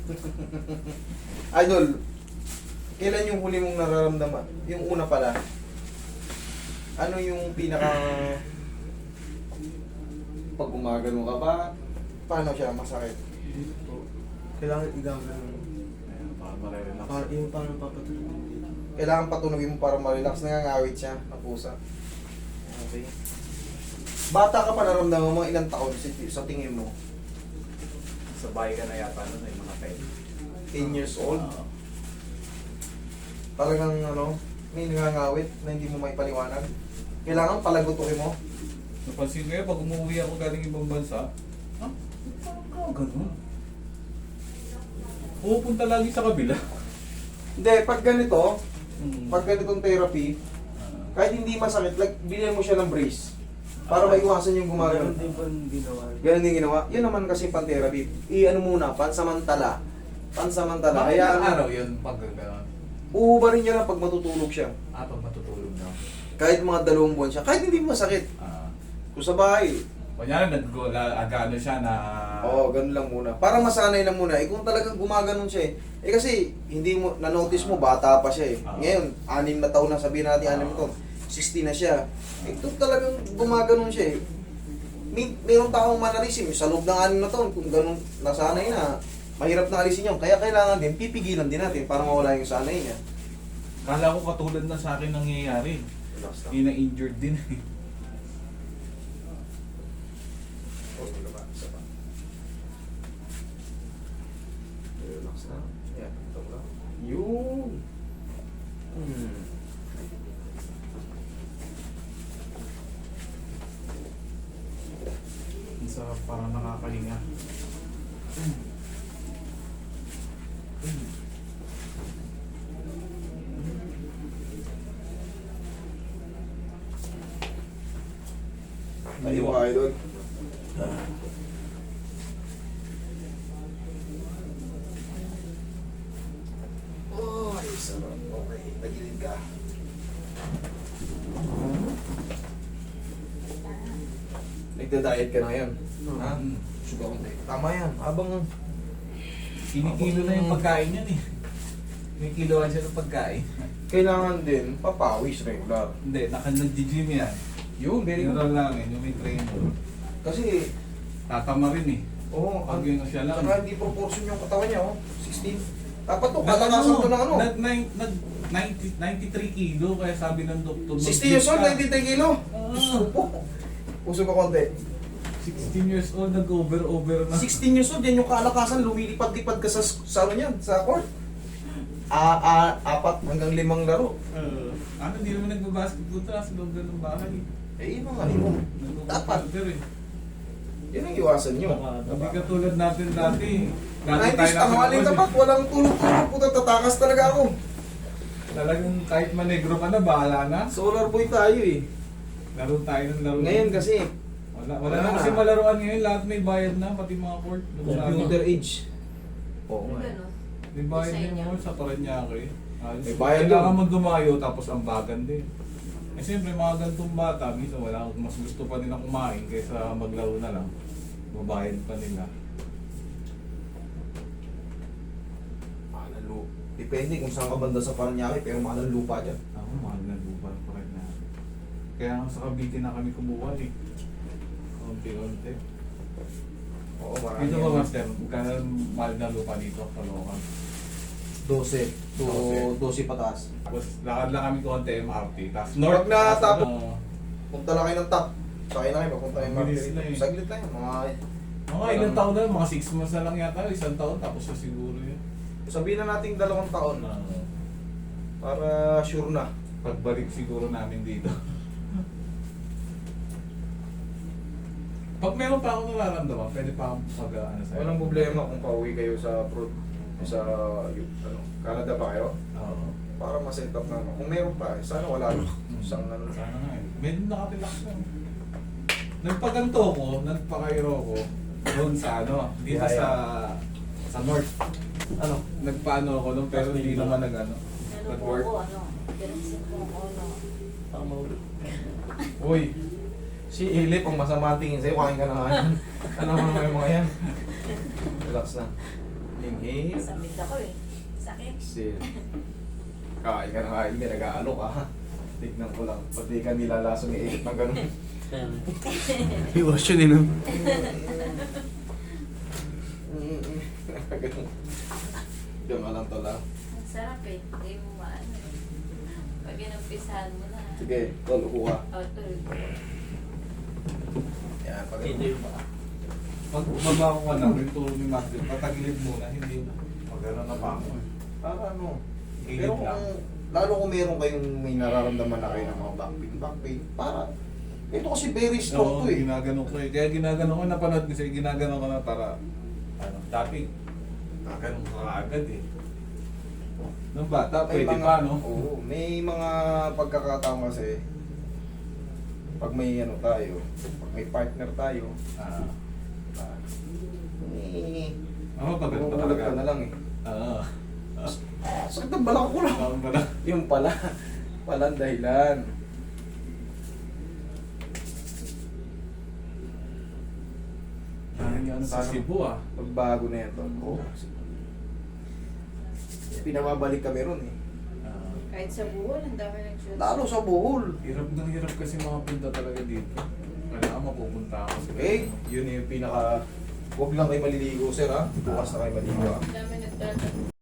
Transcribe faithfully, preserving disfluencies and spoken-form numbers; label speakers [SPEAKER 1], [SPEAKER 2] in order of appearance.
[SPEAKER 1] Idol, kailan yung huli mong nararamdaman? Yung una pala, ano yung pinaka... Pag gumagano ka ba, paano siya masakit?
[SPEAKER 2] Dito. Kailangan igagan.
[SPEAKER 3] Ayan, para marelax.
[SPEAKER 2] Para yung parang papatulog dito.
[SPEAKER 1] Kailangan patunogin mo para ma-relax. Nangangawit siya, ang pusa. Okay. Bata ka pa, naramdaman mo ilang taon sa sa tingin mo?
[SPEAKER 3] Sa bahay ka na yata nun, yung mga ten.
[SPEAKER 1] ten years old?
[SPEAKER 3] Oo.
[SPEAKER 1] Talagang ano, may nangangawit na hindi mo may paliwanag. Kailangan palagutukin mo.
[SPEAKER 3] Napansin ko yun, pag umuwi ako galing ibang bansa, ha? Parang ka, ganun. Pupunta lagi sa kabila.
[SPEAKER 1] Hindi, pag ganito,
[SPEAKER 3] Hmm.
[SPEAKER 1] pag ganitong therapy,
[SPEAKER 3] Ah.
[SPEAKER 1] kahit hindi masakit, like, bilhin mo siya ng brace. Para maiwasan yung gumagano.
[SPEAKER 2] Ganun din po yung ginawa.
[SPEAKER 1] Ganun din ginawa. Yun naman kasi pan-therapy. I-ano muna, pansamantala. Pansamantala.
[SPEAKER 3] Bakit
[SPEAKER 1] Kaya
[SPEAKER 3] ilang
[SPEAKER 1] ano,
[SPEAKER 3] araw yun pag gano'n?
[SPEAKER 1] uubarin niya lang pag matutulog siya.
[SPEAKER 3] Ah, pag matutulog na.
[SPEAKER 1] Kahit mga dalawang buwan siya. Kahit hindi masakit.
[SPEAKER 3] Ah.
[SPEAKER 1] Kung sa bahay,
[SPEAKER 3] Kunyari, nag-agano siya na...
[SPEAKER 1] oo, ganun lang muna. Para masanay lang muna. Eh kung talagang gumaganon siya eh. Eh kasi, hindi mo, na-notice mo, bata pa siya eh.
[SPEAKER 3] Ah.
[SPEAKER 1] Ngayon, anim na taon na, sabihin natin,
[SPEAKER 3] Ah.
[SPEAKER 1] anim na taon. sixty na siya. Eh kung talagang gumaganon siya eh. May, mayroong taong manalisim sa loob ng anim na taon, kung ganun nasanay na, mahirap na alisin yun. Kaya kailangan din, pipigilan din natin para mawala yung sanay niya.
[SPEAKER 3] Kala ko katulad na sa akin nangyayari.
[SPEAKER 1] Relax lang.
[SPEAKER 3] Hindi na-injured din.
[SPEAKER 1] Oh, wala ba? Isa pa. Relax lang. Yan, ito lang. Yun. Hmm.
[SPEAKER 3] Ang sarap, parang nakakahinga.
[SPEAKER 1] Tayo ka, idol. Oh, ay, sarap. Okay, tagilid ka. Nagda-diet ka na ngayon. Ha?
[SPEAKER 3] Mm.
[SPEAKER 1] Sugar konti. Tama yan. Habang
[SPEAKER 3] Kinikilo na yung pagkain yan eh. Kinikiloan siya ng pagkain.
[SPEAKER 1] kailangan din papawis regular.
[SPEAKER 3] Hindi, naka nag-gym yan.
[SPEAKER 1] Yun, very
[SPEAKER 3] Yun
[SPEAKER 1] good.
[SPEAKER 3] lang yun, yung may trainer.
[SPEAKER 1] Kasi,
[SPEAKER 3] Tatama rin eh.
[SPEAKER 1] oo,
[SPEAKER 3] Pag yun siya lang.
[SPEAKER 1] saka hindi proportion yung katawan niya, oh. sixteen. Dapat to, kalakasan to ng ano.
[SPEAKER 3] Nag, nag, nag ninety, ninety-three kilo, kaya sabi ng doktor.
[SPEAKER 1] sixty years old, ninety-three kilo.
[SPEAKER 3] Ah.
[SPEAKER 1] Gusto po. Puso ka konti.
[SPEAKER 3] sixteen years old, nag-over-over na.
[SPEAKER 1] sixteen years old, yan yung kalakasan, lumilipad-lipad ka sa, sa ano yan, sa court. Ah, ah, apat hanggang limang laro.
[SPEAKER 3] Uh, ano, hindi naman nagbabasketball ta sa loob ng bahay.
[SPEAKER 1] Eh, yun ang ano mo. Dapat.
[SPEAKER 3] Nagbabasketball eh.
[SPEAKER 1] Yan ang iwasan nyo.
[SPEAKER 3] Hindi katulad natin dati. Dati
[SPEAKER 1] nineties, tanghali
[SPEAKER 3] nasa
[SPEAKER 1] tapat, walang tulog-tulog. Puta, tatakas talaga ako.
[SPEAKER 3] Talagang kahit manegro ka na, bahala na.
[SPEAKER 1] Solar boy tayo eh.
[SPEAKER 3] Laro tayo ng laro.
[SPEAKER 1] Ngayon kasi,
[SPEAKER 3] Wala, wala
[SPEAKER 1] Wala
[SPEAKER 3] na
[SPEAKER 1] na.
[SPEAKER 3] kasi malaruan ngayon. Lahat may bayad na, pati mga court.
[SPEAKER 1] computer age. Oo nga. eh.
[SPEAKER 3] May bayad
[SPEAKER 4] Sa
[SPEAKER 3] na
[SPEAKER 4] inyo.
[SPEAKER 3] yung sa Paranaque. Ayos.
[SPEAKER 1] May bayad
[SPEAKER 3] Kailangan
[SPEAKER 1] yun.
[SPEAKER 3] mo dumayo tapos ang bagan din. Eh siyempre mga ganitong bata, minsan wala, mas gusto pa nila kumain kaysa maglaro na lang. Mabayad pa nila.
[SPEAKER 1] Mahal ang lupa. Depende kung saan ka banda sa Paranaque, pero mahal ang lupa dyan.
[SPEAKER 3] Ako, mahal na lupa pa rin na. Kaya nga sa Cavite na kami kumuha eh. Konti-konti.
[SPEAKER 1] Oo, marami.
[SPEAKER 3] Dito ba,
[SPEAKER 1] yan.
[SPEAKER 3] Master? Magkano mahal na lupa dito? Kalokan.
[SPEAKER 1] twelve to
[SPEAKER 3] Dose.
[SPEAKER 1] twelve pataas.
[SPEAKER 3] Tapos lakad lang kami konti M R T. Tapos
[SPEAKER 1] Pag natapos-
[SPEAKER 3] ano,
[SPEAKER 1] Punta lang kayo ng top. Sakay na kayo, papunta kayo
[SPEAKER 3] Ang bilis
[SPEAKER 1] market.
[SPEAKER 3] na eh.
[SPEAKER 1] Saglit lang yun, mga...
[SPEAKER 3] mga ilang taon na, mga six months na lang yata, isang taon, tapos na siguro yun.
[SPEAKER 1] Sabihin na natin dalawang taon na.
[SPEAKER 3] Uh,
[SPEAKER 1] Para sure na.
[SPEAKER 3] pagbalik siguro namin dito. Pag meron pa akong nararamdaman, pwede pa akong pag uh, ano sa'yo.
[SPEAKER 1] Walang problema kung pauwi kayo sa pro, sa yung, ano, Canada pa kayo.
[SPEAKER 3] Oo.
[SPEAKER 1] Para ma-set up na. Kung meron pa, eh, sana wala. Isang ano.
[SPEAKER 3] Sana nga eh. Medyo nakatrelax na. Nagpaganto ko, nagpakairo ko, doon sa ano, dito
[SPEAKER 1] Yeah, yeah.
[SPEAKER 3] sa sa north.
[SPEAKER 1] Ano?
[SPEAKER 3] Nagpaano ako doon, pero hindi naman nag ano.
[SPEAKER 4] Ano po
[SPEAKER 3] Nag-work.
[SPEAKER 4] ako, ano? Diretso po ako, ano?
[SPEAKER 2] Baka mahulog.
[SPEAKER 1] Uy, si Ilip, ang masama ang tingin sa'yo, kain ka na nga yan. Ano mo naman yung mga yan? Relax na. Inhale.
[SPEAKER 4] Samid ako eh. Sakit.
[SPEAKER 1] Exhale. Kain ka na kain, may nag-aalok ka. Tignan ko lang. Pati ka nilalaso ni Eric ng ganun.
[SPEAKER 2] Iwas yun eh, no?
[SPEAKER 1] Ganun. Diyan ka lang to lang.
[SPEAKER 4] Ang sarap eh. Hindi mo maano eh. Pag inumpisahan mo na.
[SPEAKER 1] Sige, tol, upo ka.
[SPEAKER 4] Oh, tuloy.
[SPEAKER 1] Yan, pag
[SPEAKER 3] Hindi ba? Pag bumaba ko ka na, yung turo ni Master, patagilid muna, hindi na. Magano na pa ako. eh.
[SPEAKER 1] Para ano.
[SPEAKER 3] Gilid
[SPEAKER 1] Pero
[SPEAKER 3] lang.
[SPEAKER 1] kung, lalo kung meron kayong may nararamdaman na kayo ng mga back pain, back pain, para, ito kasi very strong
[SPEAKER 3] Oo,
[SPEAKER 1] to eh.
[SPEAKER 3] ginagano ko eh. Kaya ginagano ko, napanood ko sa'yo, ginagano ko na para, ano, dati, nagano ko kaagad eh. Nung bata,
[SPEAKER 1] May
[SPEAKER 3] pwede
[SPEAKER 1] mga,
[SPEAKER 3] pa, no?
[SPEAKER 1] Oo, may mga pagkakataon kasi, pag may ano tayo, pag may partner tayo,
[SPEAKER 3] Ah,
[SPEAKER 1] ah, may,
[SPEAKER 3] ako pa ganun pa
[SPEAKER 1] Bumubulag
[SPEAKER 3] talaga.
[SPEAKER 1] ka na lang eh.
[SPEAKER 3] Oo.
[SPEAKER 1] Sakit ang balak ko lang.
[SPEAKER 3] Ako pala.
[SPEAKER 1] Yung pala, pala ang dahilan.
[SPEAKER 3] Parang ano sa Cebu ah.
[SPEAKER 1] Pagbago na ito. Oo. Pinababalik kami ron eh.
[SPEAKER 3] Ah,
[SPEAKER 4] Kahit sa buhol, ang dami nag-shoot.
[SPEAKER 1] Lalo sa Bohol.
[SPEAKER 3] hirap ng hirap kasi mga punta talaga dito. Kailangan mapupunta ako.
[SPEAKER 1] Eh, yun yung pinaka... Huwag lang kayo maliligo, sir ha. Bukas na kayo maliligo ha.
[SPEAKER 4] Ang dami nagtatanong.